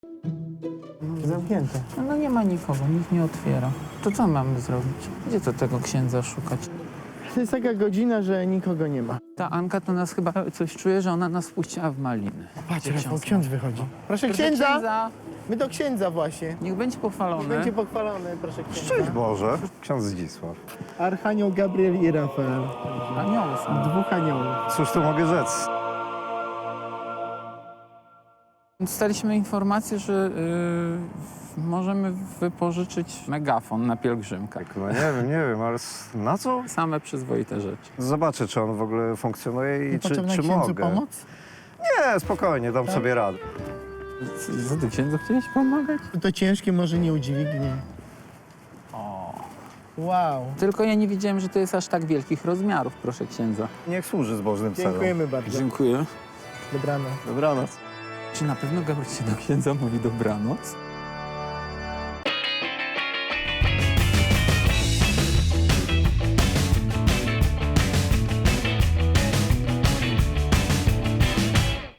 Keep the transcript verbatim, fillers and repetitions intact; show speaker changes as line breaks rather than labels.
Zamknięte.
No nie ma nikogo, nikt nie otwiera. To co mamy zrobić? Gdzie to tego księdza szukać?
To jest taka godzina, że nikogo nie ma.
Ta Anka to nas chyba coś czuje, że ona nas puściła w maliny.
Patrz,
Gdzie
Rafał,
ksiądz
ksiądz
ma?
wychodzi. Proszę
Proszę
księdza!
księdza!
My do księdza właśnie.
Niech będzie pochwalony.
Będzie pochwalony, proszę księdza.
Szczęść Boże, ksiądz Zdzisław.
Archanioł Gabriel i Rafael.
Anioły są.
Dwóch aniołów.
Cóż tu mogę rzec?
Dostaliśmy informację, że y, możemy wypożyczyć megafon na pielgrzymkę.
No nie wiem, nie wiem, ale s- na co?
Same przyzwoite rzeczy.
Zobaczę, czy on w ogóle funkcjonuje i czy,
Potrzebna
czy
księdzu
mogę.
pomoc?
Nie, spokojnie, dam sobie radę.
Co ty księdzu chciałeś pomagać?
To ciężkie może nie udźwignie.
O.
Wow.
Tylko ja nie wiedziałem, że to jest aż tak wielkich rozmiarów, proszę księdza.
Niech służy zbożnym celom.
Dziękujemy bardzo.
Dziękuję.
Dobranoc.
Dobranoc.
Czy na pewno Gabriel się do księdza mówi dobranoc?